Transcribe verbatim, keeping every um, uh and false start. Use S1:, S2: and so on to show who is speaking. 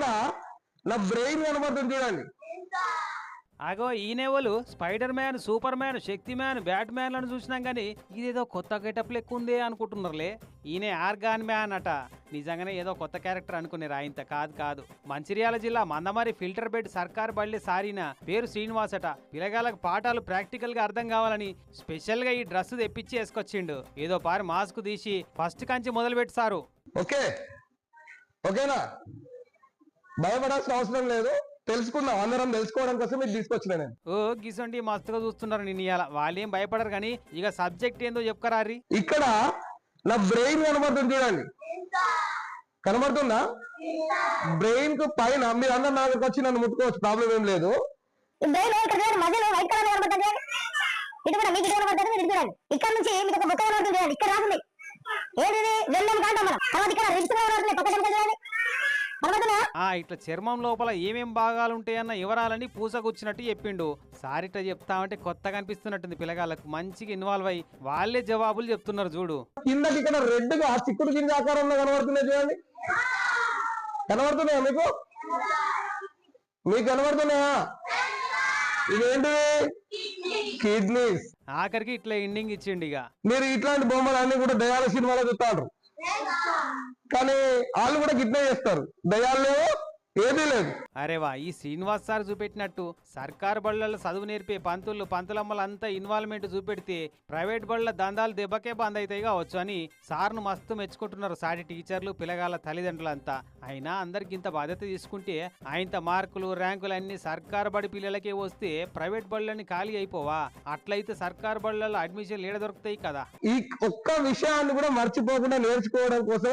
S1: ఇక్కడ నా బ్రెయిన్ కనబడుతుంది చూడండి.
S2: అగో ఈయనెవలు spider man, super man, Shaktimaan, bat man లను చూసినాం కానీ ఇదేదో కొత్త గెటప్ లెక్క ఉందే అనుకుంటున్నారులే. ఈయనే ఆర్గాన్ మ్యాన్ అట. నిజంగానే ఏదో కొత్త క్యారెక్టర్ అనుకునేరా, ఇంత కాదు కాదు. మంచిర్యాల జిల్లా మందమరి ఫిల్టర్ బెడ్ సర్కార్ బళ్ళి సారిన పేరు శ్రీనివాస్ అట. పిల్లగాళ్ళకు పాఠాలు ప్రాక్టికల్ గా అర్థం కావాలని స్పెషల్ గా ఈ డ్రెస్ తెప్పించి వేసుకొచ్చిండు. ఏదో పారి మాస్క్ తీసి ఫస్ట్ కంచి మొదలు పెట్టి సారు.
S1: ఓకే ఓకేనా, భయపడాల్సిన అవసరం లేదు. తెలుసుకుందాం, అందరం తెలుసుకోవడం కోసం ఇది తీసుకొచ్చిన నేను.
S2: ఓ గిసండి మస్తుగా చూస్తున్నారు నిన్న. ఇవాళ వాళ్ళేం భయపడరు కానీ ఇక సబ్జెక్ట్ ఏందో చెప్పుకరారి.
S1: ఇక్కడ నా బ్రెయిన్ కనబడుతుంది చూడండి, కనబడుతుందా? బ్రెయిన్ కు పైన మీరు అందరు నా దగ్గరకు వచ్చి నన్ను ముట్టుకోవచ్చు, ప్రాబ్లం ఏం లేదు.
S3: ఇక్కడ నుంచి మీకు ఒక బుక్క కనబడుతుంది, ఇక్కడ రాకుండా ఏది వెళ్ళాం కాంటాం మనం. తర్వాత ఇక్కడ రిప్స్ కనబడుతుంది, పక్క కనబడుతుంది.
S2: ఆ ఇట్లా చర్మం లోపల ఏమేం భాగాలు ఉంటాయన్న వివరాలని పూసకొచ్చినట్టు చెప్పిండు. సారిట చెప్తామంటే కొత్తగా అనిపిస్తున్నట్టుంది పిల్లగాళ్ళకు. మంచిగా ఇన్వాల్వ్ అయ్యి వాళ్ళే జవాబులు చెప్తున్నారు చూడు.
S1: కిందకి ఇక్కడ రెడ్ గా చిక్కుడు గింజ ఆకారంలో కనబడుతున్నాయి చూడండి, కనబడుతున్నాయా మీకు? మీకు కనబడుతున్నాయా? ఇవేంటివి? కిడ్నీస్.
S2: ఆఖరికి ఇట్లా ఎండింగ్ ఇచ్చిండు. ఇక
S1: మీరు ఇట్లాంటి బొమ్మలు అన్ని కూడా దయాల సినిమాలో చూస్తారు, కానీ వాళ్ళు కూడా గిట్నే చేస్తారు. దయాలేవో ఏదీ లేదు.
S2: అరే వా, ఈ శ్రీనివాస్ సార్ చూపెట్టినట్టు సర్కారు బళ్ళల్లో చదువు నేర్పే పంతులు పంతులమ్మలంతా ఇన్వాల్వ్మెంట్ చూపెడితే ప్రైవేట్ బళ్ళ దందాలు దెబ్బకే బంద్ అవుతాయి కావచ్చు అని సార్ను మస్తు మెచ్చుకుంటున్నారు సాటి టీచర్లు, పిల్లగాళ్ళ తల్లిదండ్రులంతా. అయినా అందరికి ఇంత బాధ్యత తీసుకుంటే ఆయనత మార్కులు ర్యాంకులు అన్ని సర్కారు బడి పిల్లలకే వస్తే ప్రైవేట్ బళ్ళని ఖాళీ అయిపోవా? అట్లయితే సర్కారు బళ్ళల్లో అడ్మిషన్ ఏడ దొరుకుతాయి కదా.
S1: ఈ ఒక్క విషయాన్ని కూడా మర్చిపోకుండా నేర్చుకోవడం కోసం